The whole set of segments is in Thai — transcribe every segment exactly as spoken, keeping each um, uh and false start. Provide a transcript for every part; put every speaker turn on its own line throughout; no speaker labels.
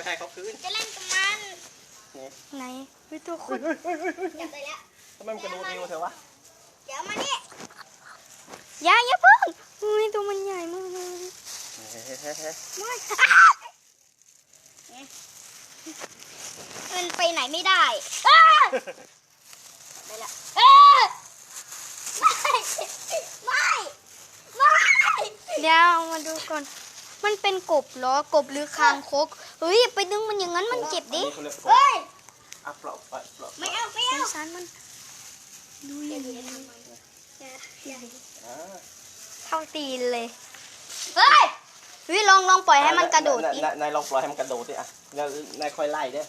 ให้เขาคืน
จะเล่นกับมันไหนวิตัวคุณจับไปแล้ว
ทำไมมันกระโดดเร็วเถอะวะ
เดี๋ยวมานี่อย่าอย่าเพิ่งอุ้ยตัวมันใหญ่มากเลยไม่มันไปไหนไม่ได้ไปละไม่ไม่ไม่เดี๋ยวมาดูก่อนมันเป็นกบเหรอกบหรือคางคกเฮ้ยไปดึงมันอย่างนั้นมันเจ็บดิเฮ้ย
เอาเปล่าเปล่าเปล่า
ไม่เอาไม่เอาสารมันดูอย่างนี้เท่าตีนเลยเฮ้ยวิลองลองปล่อยให้มันกระโดดดิ
นายลองปล่อยให้มันกระโดดดิอ่ะแล้วนายค่อยไล่เด้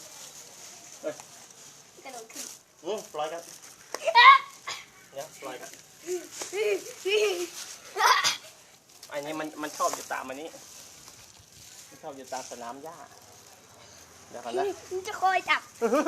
กระโดดขึ้น
อืมปล่อยกันเนี่ยปล่อยกันอันนี้มันมันชอบอยู่ตามอันนี้มันชอบอยู่ตามสนามหญ้าเดี๋ยวกันนะ
มันจะคอยจับ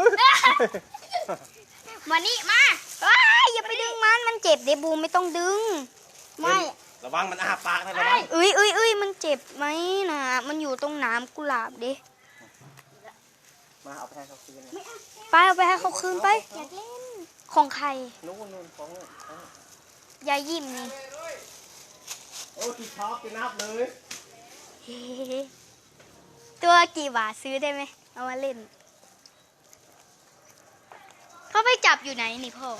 มานี่มาอย่าไปดึงมันมันเจ็บเดบูไม่ต้องดึงไม่
ระวังมันอาปากนะระวัง
เอ้ยเอ้ยเอ้ยมันเจ็บไหมนะมันอยู่ตรงน้ำกุหลาบดิ
มาเอาไปให้เขาคืน
ไปเอาไปให้เขาคืนไปอยากเล่นของใคร
นู้นนู้นของ
ยายยิ้มนี่
โอ้ที่ชอบไปนับเลย
ตัวกี่บาทซื้อได้ไหมเอามาเล่นเขาไปจับอยู่ไหนนี่พ่อ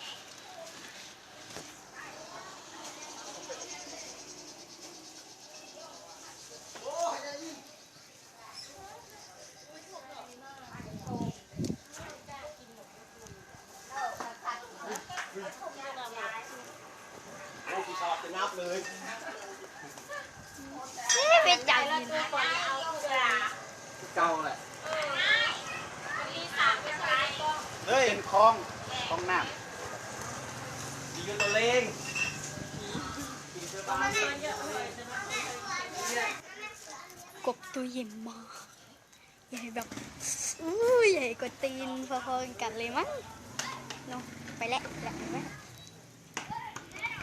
โอ้ที่ชอบไปนับเลย
ไปจับอยู่
เก่าแหละเฮ้ยเป็นคลองคลองน้ำดีกันตัวเล็ง
กบตัวใหญ่มากใหญ่แบบอู้ใหญ่กว่าตีนพอๆกันเลยมั้งเนาะไปแล้วไปแล้ว